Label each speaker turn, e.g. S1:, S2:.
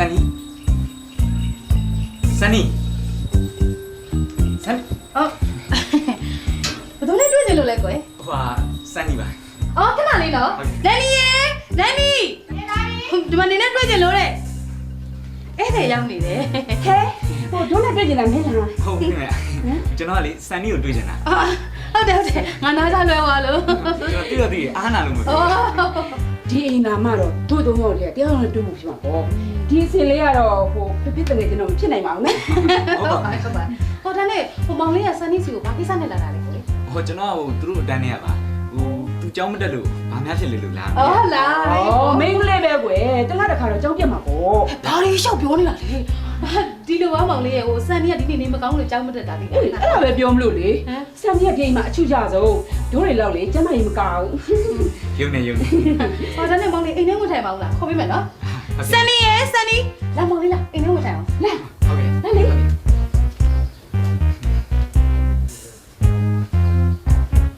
S1: Sunny Sunny Sunny
S2: ဘယ်လိုလဲတွေ့နေလို့လဲကွယ်
S1: ဟိုSunny ပါ
S2: အော်ခဏလေးနော်ဒန်နီရေဒန်နီဒီမှာနေနဲ့တွေ့ကြလို့တဲ့အဲ့ဒါရောက်နေတယ်ဟဲဟိုတို့နဲ့တွေ့ကြလားမင်းလား
S1: ဟုတ်ကဲ့ကျွန်တော်ကလေ Sunny ကိုတွေ့ချင်တာ
S2: ဟုတ်တယ်ငါနားကြလွယ်သွားလို့
S1: ကျွန်တော်သိအားနာလို့မပြော
S3: ဒီအိမ်နာမတော့တို့သုံးတော့တည်းတရားတော်တွေ့မှုဖြစ်မှာပေါ့ဒီအစင်လေးကတော့ဟိုဖြစ်တဲ့ကျွန်တော်မဖြစ်နိုင်ပါဘူးနော်
S2: ဟုတ်ပါဟိုဒါနဲ့ဟိုမောင်လေးကဆန်နီစီကိုဘာကိစ္စနဲ့လာတာလဲကွယ်
S1: ဟိုကျွန်တော်ကသူတို့အတန်းနေရပါဟိုသူเจ้าမတက်လို့ဘာများဖြစ်လေလို့လား
S2: ဟုတ်လား
S3: မိန်းကလေးပဲကွယ်တလားတစ်ခါတော့ကြောက်ပြတ်မှာပေါ့
S2: ဘာလို့ရှောက်ပြောနေတာလဲဒီလိုပါမောင်လေးရဲ့ဟိုဆန်နီကဒီနေ့နေမကောင်းလို့ကြောက်မတက်တာဒီ
S3: အဲ့ဒါပဲပြောမလို့လေဆမ်မြတ်ဂိမ်းမှာအချူကြဆုံးတို့တွေလောက်လေကျမ်းမာရေးမကောင်း
S1: ရုံနေ
S2: ဟောဒါနဲ့မောင်လေးအိမ်ထဲဝင်ထိုင်ပါဦးလားခေါ်ပေးမယ်နော်ဆန်နီရေဆန်နီလာမောင်လေးလာအိမ်ထဲ